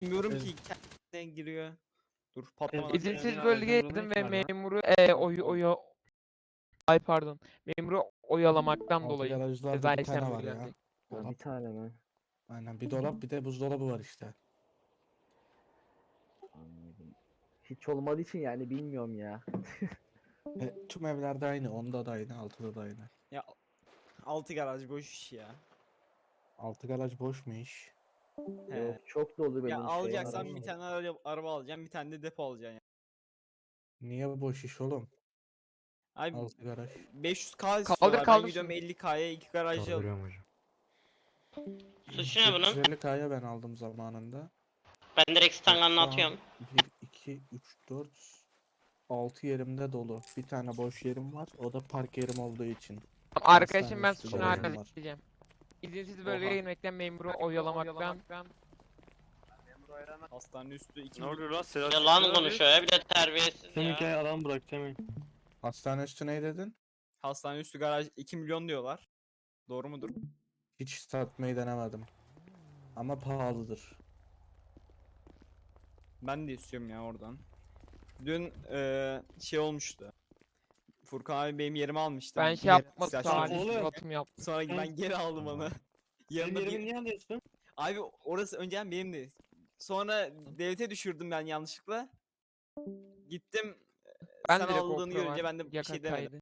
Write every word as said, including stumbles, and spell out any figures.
Bilmiyorum Evet. ki kendine giriyor. Dur Evet, patlamadan. İzinsiz İzinsiz bölgeye bölgeye girdim girdim ve ve memuru e, oy oya ay pardon memuru oyalamaktan Altı dolayı garajlarda ceza bir tane işlem var ya. uygulanacak. Ha, Dolap. bir tane mi? Aynen bir dolap bir de buzdolabı var işte. Anladım. Hiç olmadığı için yani bilmiyorum ya. Ve tüm evlerde aynı. Onda da aynı, altıda da aynı. Ya altı garaj boş iş ya. Altı garaj boş mu iş? He. Yok çok dolu Ya benim şey alacaksan arabam. bir tane araba, araba alacaksın, bir tane de depo alacaksın yani. Niye boş iş oğlum? Abi Altı garaj. beş yüz K Kaldır istiyorlar. Ben kaldır gidiyorum şunu. elli K'ya iki garajı alıyorum. Kaldırıyorum hocam. Suçu ne bunun? dokuz yüz elli K'ya ben aldım zamanında. Ben direkt Bak stanganını şu an atıyorum. bir, iki, üç, dört, altı yerimde dolu. Bir tane boş yerim var. O da park yerim olduğu için. Arkadaşım ben Hastane suçunu üstü garajım var. halledeceğim. İzinsiz Oha. bölgeye girmekten memuru oyalamaktan Hastane üstü iki Ne oluyor lan Sedat? Yalan konuşuyor ya bir de terbiyesiz Semih ya. gel adam bırak Semih. Hastane üstü ne dedin? Hastane üstü garaj iki milyon diyorlar. Doğru mudur? Hiç satmayı denemedim. Ama pahalıdır. Ben de istiyorum ya oradan. Dün eee, şey olmuştu. Furkan abi benim yerimi almıştı. ben Bir şey yapmadım ihtiyaç salih oğlum. suratım yaptım. Sonra ben geri aldım onu. Benim Yanında yerimi bir... niye alıyorsun? Abi orası önceden benimdi. Sonra devlete düşürdüm ben yanlışlıkla. Gittim. Ben Sen direkt aldığını GoPro görünce var, ben de bir yakın şey demedim. kaydı.